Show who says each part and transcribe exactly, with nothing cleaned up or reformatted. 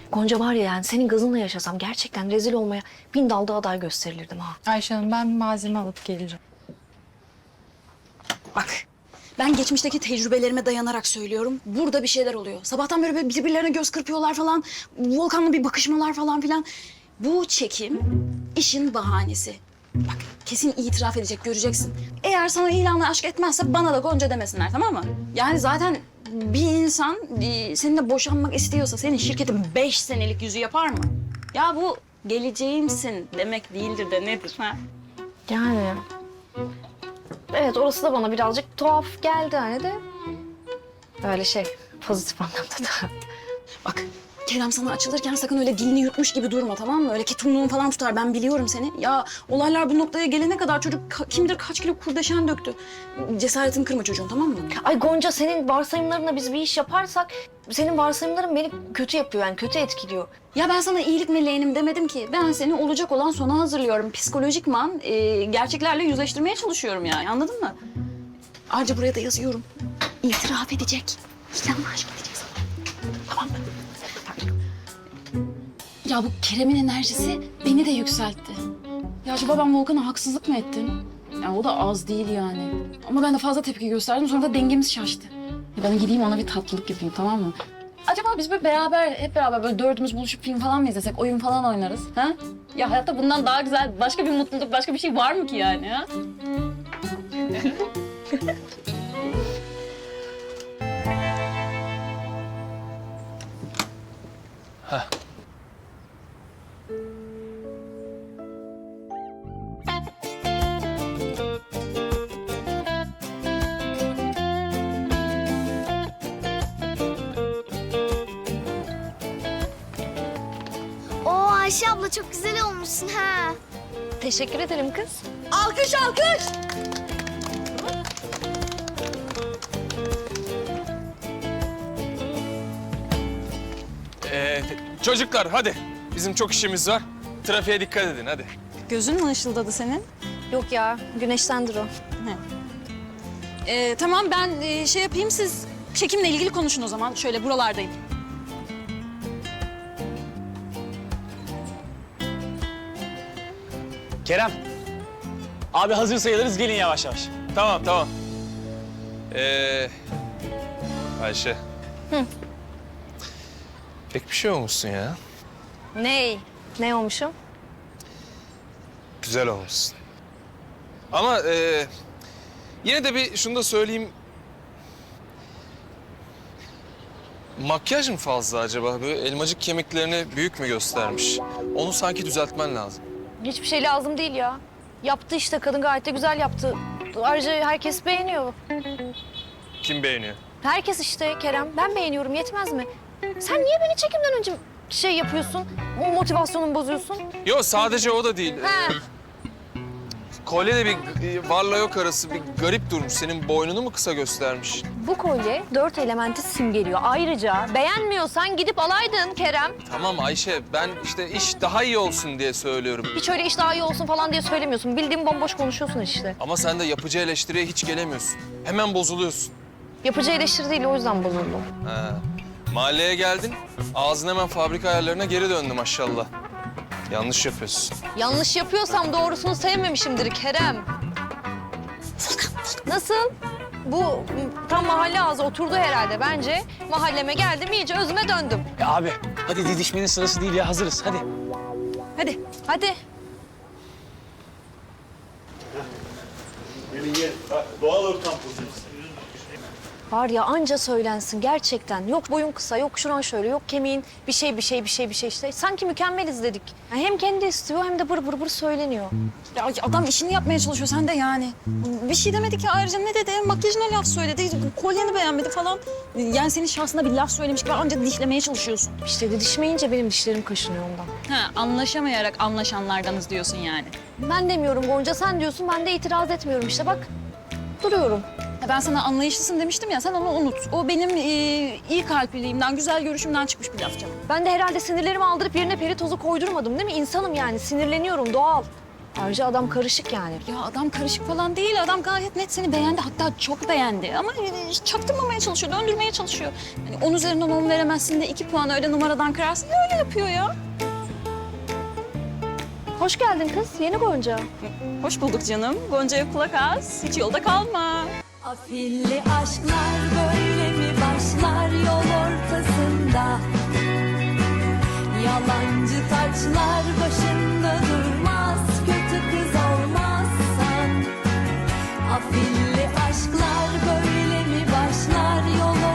Speaker 1: Gonca var ya, yani senin gazınla yaşasam gerçekten rezil olmaya bin dalda aday gösterilirdim ha.
Speaker 2: Ayşe Hanım, ben malzeme alıp geleceğim.
Speaker 3: Bak, ben geçmişteki tecrübelerime dayanarak söylüyorum. Burada bir şeyler oluyor. Sabahtan beri böyle birbirlerine göz kırpıyorlar falan. Volkan'la bir bakışmalar falan filan. Bu çekim işin bahanesi. Bak, kesin itiraf edecek, göreceksin. Eğer sana ilanla aşk etmezse bana da Gonca demesinler, tamam mı? Yani zaten bir insan e, seninle boşanmak istiyorsa senin şirketin beş senelik yüzü yapar mı? Ya bu geleceğimsin demek değildir de nedir ha?
Speaker 1: Yani... Evet, orası da bana birazcık tuhaf geldi hani de. Böyle şey, pozitif anlamda da.
Speaker 3: Bak, Kerem sana açılırken sakın öyle dilini yutmuş gibi durma, tamam mı? Öyle ketumluğun falan tutar, ben biliyorum seni. Ya olaylar bu noktaya gelene kadar çocuk ka- kim bilir kaç kilo kurdeşen döktü. Cesaretini kırma çocuğun, tamam mı?
Speaker 1: Ay Gonca, senin varsayımlarına biz bir iş yaparsak... senin varsayımların beni kötü yapıyor, yani kötü etkiliyor.
Speaker 3: Ya ben sana iyilik meleğinim demedim ki. Ben seni olacak olan sona hazırlıyorum. Psikolojikman e, gerçeklerle yüzleştirmeye çalışıyorum yani, anladın mı? Ayrıca buraya da yazıyorum. İtiraf edecek. İlanla aşk edecek sana. Tamam mı? Ya bu Kerem'in enerjisi beni de yükseltti. Ya acaba ben Volkan'a haksızlık mı ettim? Ya o da az değil yani. Ama ben de fazla tepki gösterdim, sonra da dengemiz şaştı. Ya ben gideyim ona bir tatlılık yapayım, tamam mı? Acaba biz böyle beraber, hep beraber böyle dördümüz buluşup film falan mı izlesek, oyun falan oynarız, ha? Ya hayatta bundan daha güzel başka bir mutluluk, başka bir şey var mı ki yani, ha?
Speaker 4: Oo Ayşe abla çok güzel olmuşsun ha.
Speaker 1: Teşekkür ederim kız.
Speaker 3: Alkış, alkış!
Speaker 5: Ee, çocuklar hadi. Bizim çok işimiz var. Trafiğe dikkat edin hadi.
Speaker 3: Gözün mü ışıldadı senin?
Speaker 1: Yok ya, güneştendir o.
Speaker 3: Ee, tamam, ben e, şey yapayım, siz çekimle ilgili konuşun o zaman. Şöyle buralardayım.
Speaker 6: Kerem. Abi hazır sayılırız, gelin yavaş yavaş.
Speaker 5: Tamam tamam. Ee, Ayşe.
Speaker 1: Hı.
Speaker 5: Pek bir şey olmuşsun ya.
Speaker 1: Ney? Ne olmuşum?
Speaker 5: Güzel olmuşsun. Ama ee, yine de bir şunu da söyleyeyim. Makyaj mı fazla acaba? Böyle elmacık kemiklerini büyük mü göstermiş? Onu sanki düzeltmen lazım.
Speaker 1: Hiçbir şey lazım değil ya. Yaptı işte, kadın gayet de güzel yaptı. Ayrıca herkes beğeniyor.
Speaker 5: Kim beğeniyor?
Speaker 1: Herkes işte Kerem. Ben beğeniyorum, yetmez mi? Sen niye beni çekimden önce şey yapıyorsun? O motivasyonumu bozuyorsun.
Speaker 5: Yok sadece o da değil.
Speaker 1: He.
Speaker 5: Kolye de bir e, varla yok arası bir garip durmuş. Senin boynunu mu kısa göstermiş?
Speaker 1: Bu kolye dört elementi simgeliyor. Ayrıca beğenmiyorsan gidip alaydın Kerem.
Speaker 5: Tamam Ayşe, ben işte iş daha iyi olsun diye söylüyorum.
Speaker 1: Hiç öyle iş daha iyi olsun falan diye söylemiyorsun. Bildiğin bomboş konuşuyorsun işte.
Speaker 5: Ama sen de yapıcı eleştiriye hiç gelemiyorsun. Hemen bozuluyorsun.
Speaker 1: Yapıcı eleştiri değil, o yüzden bozuldum.
Speaker 5: Ha. Mahalleye geldin, ağzın hemen fabrika ayarlarına geri döndü maşallah. Yanlış yapıyorsun.
Speaker 1: Yanlış yapıyorsam doğrusunu sevmemişimdir Kerem. Nasıl? Bu m, tam mahalle ağzı oturdu herhalde bence. Mahalleme geldim, iyice özüme döndüm.
Speaker 6: Ya abi, hadi didişmenin sırası değil ya, hazırız hadi.
Speaker 1: Hadi, hadi.
Speaker 7: Doğal ortam projesi.
Speaker 1: Var ya, anca söylensin gerçekten. Yok boyun kısa, yok şuran şöyle, yok kemiğin bir şey bir şey bir şey bir şey işte. Sanki mükemmeliz dedik. Yani hem kendi istiyor hem de bır bır bır söyleniyor.
Speaker 3: Ya adam işini yapmaya çalışıyor, sen de yani. Bir şey demedi ki, ayrıca ne dedi? Makyajına laf söyledi, kolyeni beğenmedi falan. Yani senin şahsına bir laf söylemiş gibi anca dişlemeye çalışıyorsun.
Speaker 1: İşte didişmeyince benim dişlerim kaşınıyor ondan.
Speaker 3: Ha, anlaşamayarak anlaşanlardanız diyorsun yani.
Speaker 1: Ben demiyorum Gonca, sen diyorsun, ben de itiraz etmiyorum işte bak. Duruyorum.
Speaker 3: Ya ben sana anlayışlısın demiştim ya, sen onu unut. O benim e, iyi kalpliliğimden, güzel görüşümden çıkmış bir laf canım.
Speaker 1: Ben de herhalde sinirlerimi aldırıp yerine peri tozu koydurmadım değil mi? İnsanım yani, sinirleniyorum, doğal. Ayrıca adam karışık yani.
Speaker 3: Ya adam karışık falan değil. Adam gayet net seni beğendi. Hatta çok beğendi. Ama e, çaktırmamaya çalışıyor, döndürmeye çalışıyor. Hani on üzerinden on veremezsin de iki puan öyle numaradan kırarsın. Öyle yapıyor ya.
Speaker 1: Hoş geldin kız. Yeni Gonca.
Speaker 3: Hoş bulduk canım. Gonca'ya kulak az. Hiç yolda kalma.
Speaker 8: Afilli aşklar böyle mi başlar yol ortasında? Yalancı taçlar